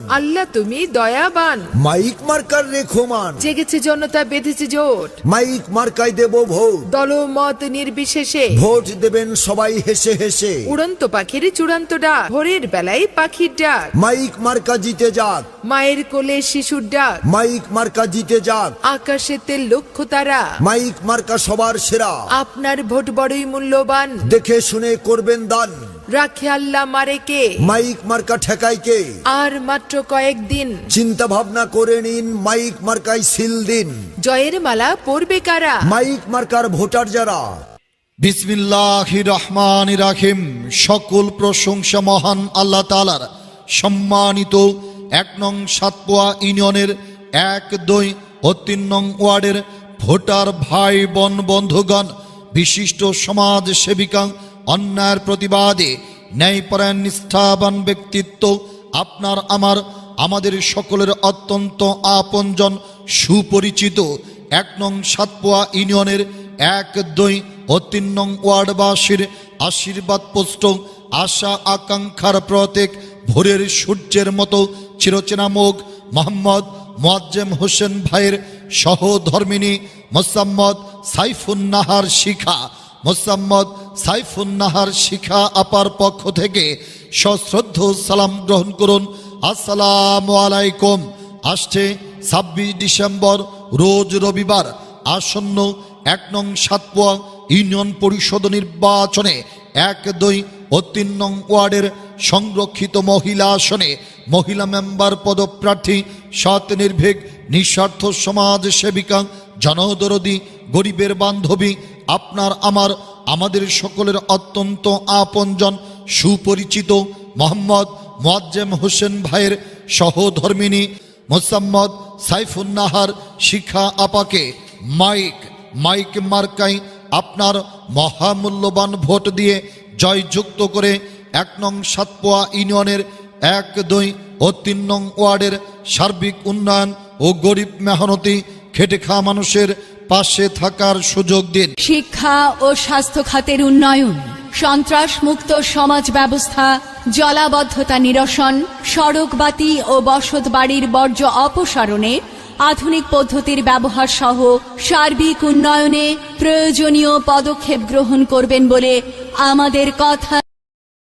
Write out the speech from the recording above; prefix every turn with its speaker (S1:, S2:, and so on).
S1: আল্লাহ তুমি দয়াবান।
S2: Mic marker রেখমান,
S1: জেগেছে জনতা, বেঁধেছে জোট,
S2: মাইক মার্কায় দেব ভোট।
S1: দলমত নির্বিশেষে
S2: ভোট দেবেন সবাই হেসে হেসে।
S1: উড়ন্ত পাখির চূড়ান্ত ডাক, ভোরের বেলায় পাখির ডাক,
S2: মাইক মার্কা জিতে যাক,
S1: মায়ের কোলে শিশুর ডাক,
S2: মাইক মার্কা জিতে যাক।
S1: আকাশেতে লক্ষ্য তারা,
S2: মাইক মার্কা সবার সেরা।
S1: আপনার ভোট বড়ই মূল্যবান,
S2: দেখে শুনে করবেন দান।
S1: রাখে আল্লাহ মারে কে,
S2: মাইক মার্কা ঠেকাই কে।
S1: আর মাত্র কয়েকদিন,
S2: চিন্তা ভাবনা করে নিন, মাইক মার্কায় সিল দিন।
S1: জয়ের মালা পরবে কারা,
S2: মাইক মার্কার ভোটার যারা।
S3: বিসমিল্লাহির রহমানির রহিম। সকল প্রশংসা মহান আল্লাহ তাআলার। সম্মানিত ১ নং সাতপোয়া ইউনিয়নের ১, ২ ও ৩ নং ওয়ার্ডের ভোটার ভাই বোন বন্ধুগণ, বিশিষ্ট সমাজ সেবিকা, অন্যায়ের প্রতিবাদে ন্যায়পরায়ণ নিষ্ঠাবান ব্যক্তিত্ব, আপনার আমাদের সকলের অত্যন্ত আপনজন সুপরিচিত ১ নং সাতপোয়া ইউনিয়নের ১, ২ ও ৩ নং ওয়ার্ডবাসীর আশীর্বাদ পোস্ট, আশা আকাঙ্ক্ষার প্রতীক, ভোরের সূর্যের মতো চিরচেনা মুখ, মোহাম্মদ মোয়াজ্জেম হোসেন ভাইয়ের সহধর্মিনী মোসাম্মদ সাইফুন্নাহার শিখা, মোসাম্মদ সাইফুন্নাহার শিখা আপার পক্ষ থেকে সশ্রদ্ধ সালাম গ্রহণ করুন। আসসালামু আলাইকুম। আসছে ২৬ ডিসেম্বর রোজ রবিবার আসন্ন ১ নং সাতপোয়া ইউনিয়ন পরিষদ নির্বাচনে ১, ২ ও ৩ নং ওয়ার্ডের সংরক্ষিত মহিলা আসনে মহিলা মেম্বার পদপ্রার্থী সৎ নির্ভীক নিঃস্বার্থ সমাজ সেবিকা, জনদরদী, গরিবের বান্ধবী, আপনার আমাদের সকলের অত্যন্ত আপনজন সুপরিচিত মোহাম্মদ মোয়াজ্জেম হোসেন ভাইয়ের সহধর্মিনী মোসাম্মদ সাইফুন্নাহার শিখা আপাকে মাইক মার্কায় আপনার মহামূল্যবান ভোট দিয়ে জয়যুক্ত করে ১ নং সাতপোয়া ইউনিয়নের ১, ২ ও ৩ নং ওয়ার্ডের সার্বিক উন্নয়ন ও গরিব মেহনতি খেটে খাওয়া মানুষের পাশে থাকার সুযোগ দিন।
S4: শিক্ষা ও স্বাস্থ্য খাতের উন্নয়ন, সন্ত্রাস মুক্ত সমাজ ব্যবস্থা, জলাবদ্ধতা নিরসন, সড়ক বাতি ও বসত বাড়ির বর্জ্য অপসারণে আধুনিক পদ্ধতির ব্যবহার সহ সার্বিক উন্নয়নে প্রয়োজনীয় পদক্ষেপ গ্রহণ করবেন বলে আমাদের কথা